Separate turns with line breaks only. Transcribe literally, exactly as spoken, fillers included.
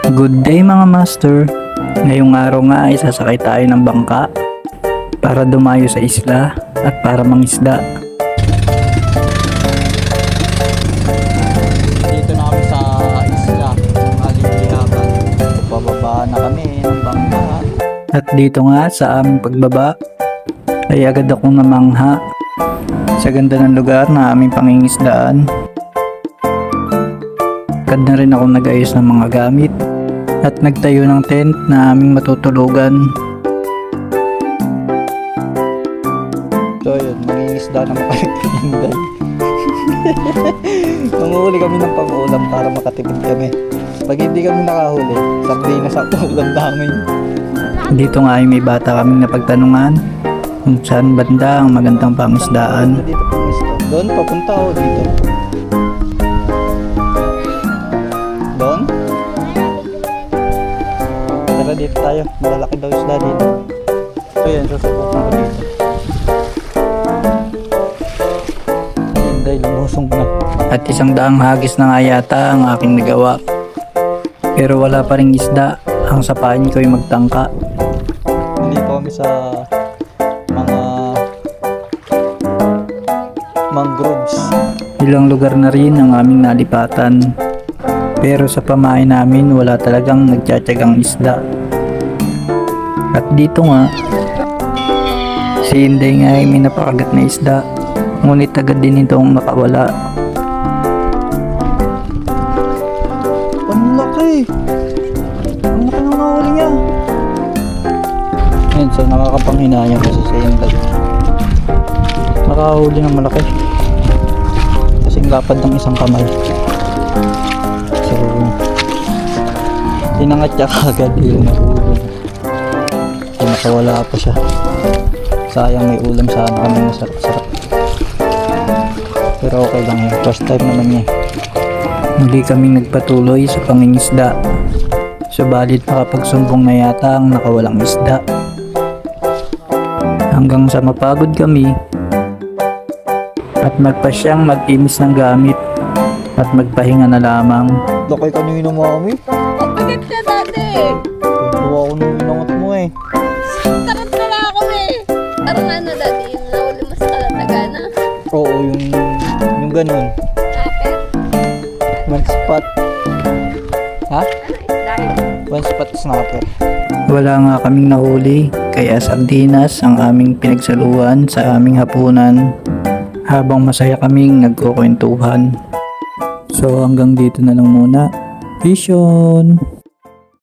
Good day mga master. Ngayong araw nga ay sasakay tayo ng bangka para dumayo sa isla at para mangisda.
Dito na kami sa isla ng Alibihaban. Bababa na kami ng bangka.
At dito nga sa aming pagbaba ay agad akong namangha sa ganda ng lugar na aming pangingisdaan. Agad na rin ako nag-ayos ng mga gamit at nagtayo ng tent na aming matutulugan.
So yun, mangingisda na makalimutan. Manguhuli kami ng pang-ulam para makatipid kami. Pag hindi kami nakahuli, sardinas sa ulam namin.
Dito nga ay may bata kaming napagtanungan kung saan banda ang magandang pangisdaan.
Dito pangisda. Doon, papunta o dito? Doon? Tara dito tayo. Malalaki daw isda dito. So yan, susubukan ko dito. Ayun dahil lumusong na.
At isang daang hagis na nga yata ang aking nagawa. Pero wala pa ring isda, ang sapain ko ay magtangka.
Dito kami sa mga mangroves.
Ilang lugar na rin ang aming nalipatan. Pero sa pamain namin wala talagang nagtsatsagang isda. At dito nga, si Inday nga ay may napakagat na isda. Ngunit agad din itong nakawala.
Ang laki! Ang laki ng nahuli niya! Yan, so nakakapanghinayang kasi sa Inday. Nakahuli ng malaki. Kasing lapad ng isang kamay. So, tinangat niya kagad yung nahuli. So, nakawala pa siya. Sayang, may ulam sana kami masarap-sarap. Pero okay lang yun. First time naman niya.
Muli kaming nagpatuloy sa pangingisda. Subalit makapagsumbong na yata ang nakawalang isda. Hanggang sa mapagod kami at magpasyang mag-imis ng gamit at magpahinga na lamang.
Laki kanina, mami.
Pagkakit ka dati.
Tuwa ko nung inangat mo eh.
Tarat na lang ako eh. Parang ano dati, yung nahuli mo sa Kalatagana.
Oo, yung, yung ganun.
Kapit.
One spot. Ha?
Dahil.
One spot snapper.
Wala nga kaming nahuli, kaya sardinas ang aming pinagsaluhan sa aming hapunan habang masaya kaming nagkukwentuhan. So hanggang dito na lang muna. Vision!